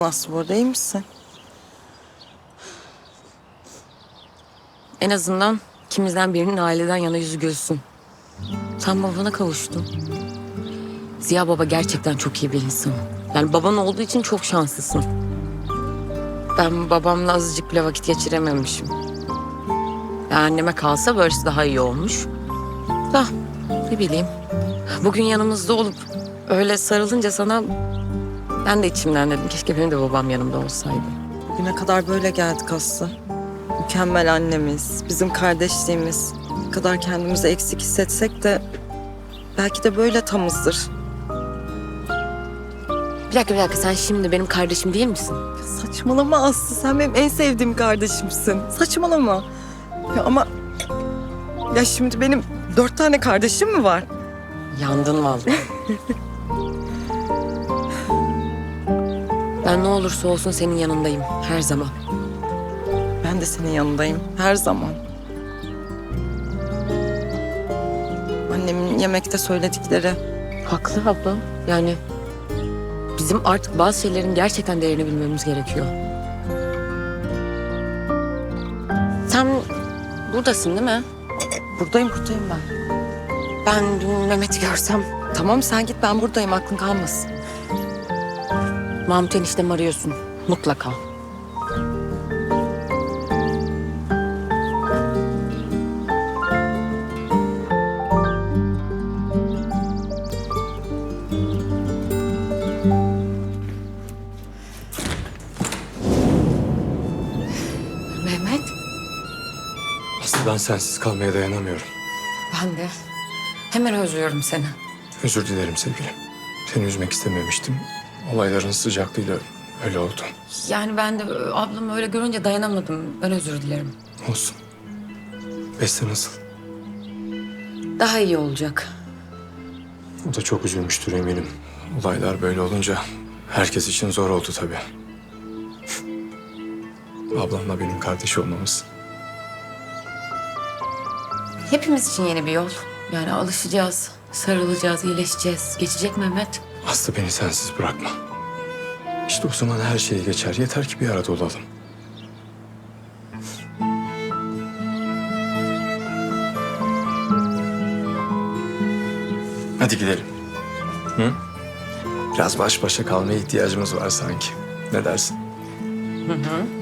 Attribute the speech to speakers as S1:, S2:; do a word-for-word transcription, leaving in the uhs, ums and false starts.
S1: Nasıl burada iyi misin?
S2: En azından ikimizden birinin aileden yana yüzü gülsün. Sen babana kavuştun. Ziya baba gerçekten çok iyi bir insan. Yani baban olduğu için çok şanslısın. Ben babamla azıcık bile vakit geçirememişim. Yani anneme kalsa böylesi daha iyi olmuş. Da ne bileyim. Bugün yanımızda olup öyle sarılınca sana ben de içimden dedim. Keşke benim de babam yanımda olsaydı.
S1: Bugüne kadar böyle geldik Aslı. Mükemmel annemiz, bizim kardeşliğimiz. Ne kadar kendimizi eksik hissetsek de belki de böyle tamızdır.
S2: Bir dakika bir dakika sen şimdi benim kardeşim değil misin?
S1: Saçmalama Aslı, sen benim en sevdiğim kardeşimsin. Saçmalama. Ya ama ya şimdi benim dört tane kardeşim mi var?
S2: Yandın vallahi. Ben ne olursa olsun senin yanındayım her zaman.
S1: Ben de senin yanındayım her zaman. Annemin yemekte söyledikleri.
S2: Haklı abla. Yani bizim artık bazı şeylerin gerçekten değerini bilmemiz gerekiyor. Sen buradasın değil mi?
S1: Buradayım buradayım ben.
S2: Ben dün Mehmet'i görsem
S1: Tamam sen git, ben buradayım, aklın kalmasın.
S2: Mahmut eniştemi arıyorsun mutlaka. Mehmet,
S3: Aslı ben sensiz kalmaya dayanamıyorum.
S2: ben de hemen özlüyorum seni.
S3: Özür dilerim sevgilim. Seni üzmek istememiştim. Olayların sıcaklığıyla öyle oldu.
S2: Yani ben de ablamı öyle görünce dayanamadım. Ben özür dilerim.
S3: Olsun. Beste nasıl?
S2: Daha iyi olacak.
S3: O da çok üzülmüştür eminim. Olaylar böyle olunca herkes için zor oldu tabii. Ablamla benim kardeş olmamız.
S2: Hepimiz için yeni bir yol. Yani alışacağız, sarılacağız, iyileşeceğiz. Geçecek Mehmet.
S3: Aslı beni sensiz bırakma. İşte o zaman her şey geçer. Yeter ki bir arada olalım. Hadi gidelim. Hı? Biraz baş başa kalmaya ihtiyacımız var sanki. Ne dersin?
S2: Hı hı.